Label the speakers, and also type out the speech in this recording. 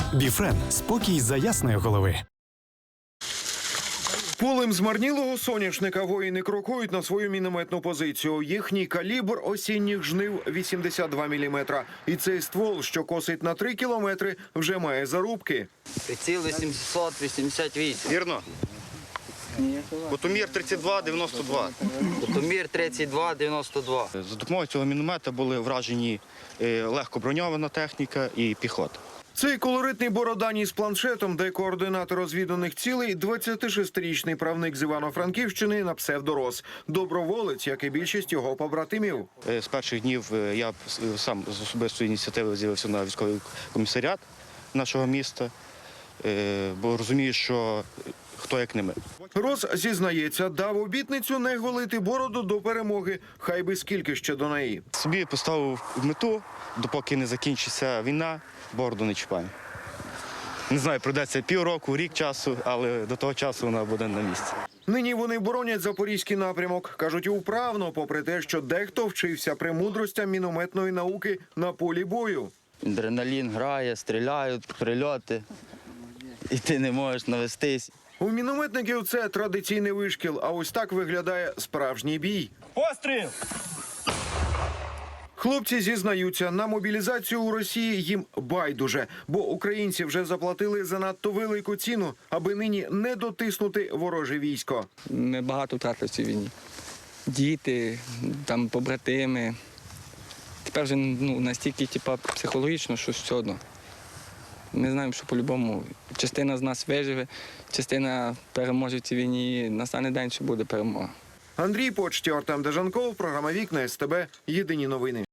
Speaker 1: Біфрен – спокій за ясної голови.
Speaker 2: Полем змарнілого соняшника воїни крокують на свою мінометну позицію. Їхній калібр осінніх жнив – 82 мм. І цей ствол, що косить на 3 кілометри, вже має зарубки.
Speaker 3: Приціл 888.
Speaker 4: Вірно. Кутомір 32-92.
Speaker 3: Кутомір 32-92.
Speaker 4: За допомогою цього міномета були вражені легко броньована техніка і піхота.
Speaker 2: Цей колоритний бородані з планшетом, де координати розвіданих цілей – 26-річний правник з Івано-Франківщини на псевдорос. Доброволець, як і більшість його побратимів.
Speaker 4: З перших днів я сам з особистої ініціативи з'явився на військовий комісаріат нашого міста, бо розумію, що хто як не ми.
Speaker 2: Рос зізнається, дав обітницю не голити бороду до перемоги, хай би скільки ще до неї.
Speaker 4: Собі поставив мету, допоки не закінчиться війна, бороду не чіпаю. Не знаю, пройдеться півроку, рік часу, але до того часу вона буде на місці.
Speaker 2: Нині вони боронять запорізький напрямок. Кажуть, управно, попри те, що дехто вчився премудростям мінометної науки на полі бою.
Speaker 3: Адреналін грає, стріляють, прильоти. І ти не можеш навестись.
Speaker 2: У мінометників це традиційний вишкіл, а ось так виглядає справжній бій.
Speaker 5: Постріл!
Speaker 2: Хлопці зізнаються, на мобілізацію у Росії їм байдуже, бо українці вже заплатили занадто велику ціну, аби нині не дотиснути вороже військо.
Speaker 6: Ми багато втратили в цій війні. Діти, там, побратими. Тепер вже настільки психологічно, що все одно. Ми знаємо, що по-любому частина з нас виживе, частина переможе в цій війні, настане день, що буде перемога.
Speaker 2: Андрій Почтєв, Артем Дежанков, програма «Вікна СТБ», єдині новини.